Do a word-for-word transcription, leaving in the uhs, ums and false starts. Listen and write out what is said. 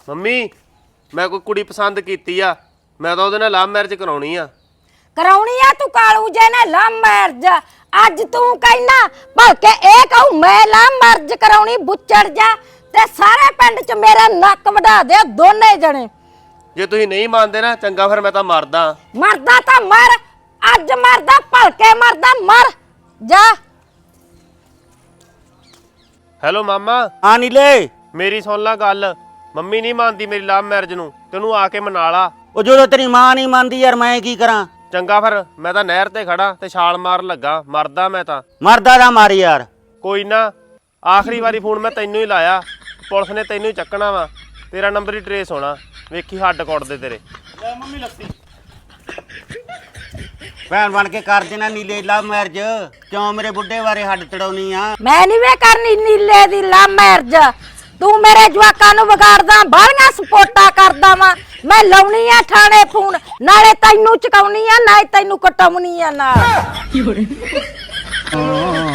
Mummy ਮੈਂ ਕੋਈ ਕੁੜੀ ਪਸੰਦ ਕੀਤੀ ਆ, ਮੈਂ ਤਾਂ ਉਹਦੇ ਨਾਲ ਲਵ ਮੈਰਿਜ ਕਰਾਉਣੀ ਆ। ਕਰਾਉਣੀ ਆ ਤੂੰ ਕਾਲੂ ਜੇ ਨੇ ਲਵ ਮੈਰਿਜ? ਅੱਜ ਤੂੰ ਕਹਿਣਾ ਭਲਕੇ ਇਹ ਕਹੂ ਮੈਂ ਲਵ ਮੈਰਿਜ ਕਰਾਉਣੀ, ਬੁੱਚੜ ਜਾ ਤੇ ਸਾਰੇ ਪਿੰਡ ਚ ਮੇਰਾ ਨੱਕ ਵਢਾ ਦੇ ਦੋਨੇ ਜਣੇ। ਜੇ ਤੁਸੀਂ ਨਹੀਂ ਮੰਨਦੇ ਨਾ ਚੰਗਾ, ਫਿਰ ਮੈਂ ਤਾਂ ਮਰਦਾ। ਮਰਦਾ ਤਾਂ ਮਰ, ਅੱਜ ਮਰਦਾ ਭਲਕੇ ਮਰਦਾ ਮਰ ਜਾ। ਹੈਲੋ ਮਾਮਾ। ਹਾਂ ਨੀਲੇ, ਮੇਰੀ ਸੁਣ ਲੈ ਗੱਲ, ਮੰਮੀ ਨਹੀਂ ਮੰਨਦੀ ਮੇਰੀ ਲਵ ਮੈਰਿਜ ਨੂੰ, ਤੈਨੂੰ ਆ ਕੇ ਮਨਾ ਲਾ। ਉਹ ਜਦੋਂ ਤੇਰੀ ਮਾਂ ਨਹੀਂ ਮੰਨਦੀ ਯਾਰ ਮੈਂ ਕੀ ਕਰਾਂ? ਚੰਗਾ ਫਿਰ ਮੈਂ ਤਾਂ ਨਹਿਰ ਤੇ ਖੜਾ ਤੇ ਛਾਲ ਮਾਰਨ ਲੱਗਾ, ਮਰਦਾ ਮੈਂ ਤਾਂ। ਮਰਦਾ ਦਾ ਮਾਰ ਯਾਰ। ਕੋਈ ਨਾ, ਆਖਰੀ ਵਾਰੀ ਫੋਨ ਮੈਂ ਤੈਨੂੰ ਹੀ ਲਾਇਆ, ਪੁਲਿਸ ਨੇ ਤੈਨੂੰ ਹੀ ਚੱਕਣਾ ਵਾ, ਤੇਰਾ ਨੰਬਰ ਹੀ ਟਰੇਸ ਹੋਣਾ, ਵੇਖੀ ਹੱਡ ਕੁੱਟਦੇ ਤੇਰੇ। ਲੈ ਮੰਮੀ ਲੱਸੀ। ਭੈਣ ਬਣ ਕੇ ਕਰ ਦੇਣਾ ਨੀਲੇ ਲਵ ਮੈਰਿਜ, ਕਿਉਂ ਮੇਰੇ ਬੁੱਢੇ ਬਾਰੇ ਹੱਡ ਤੜਾਉਣੀ ਆ? ਮੈਂ ਨਹੀਂ ਵੇ ਕਰਨੀ ਨੀਲੇ ਦੀ ਲਵ ਮੈਰਿਜ, ਤੂੰ ਮੇਰੇ ਜਵਾਕਾਂ ਨੂੰ ਵਿਗਾੜਦਾ, ਬਾਹਲੀਆਂ ਸਪੋਰਟਾਂ ਕਰਦਾ ਵਾ। ਮੈਂ ਲਾਉਣੀ ਆ ਥਾਣੇ ਫੋਨ, ਨਾਲੇ ਤੈਨੂੰ ਚਕਾਉਣੀ ਆ ਨਾਲੇ ਤੈਨੂੰ ਕਟਾਉਣੀ ਆ ਨਾਲ।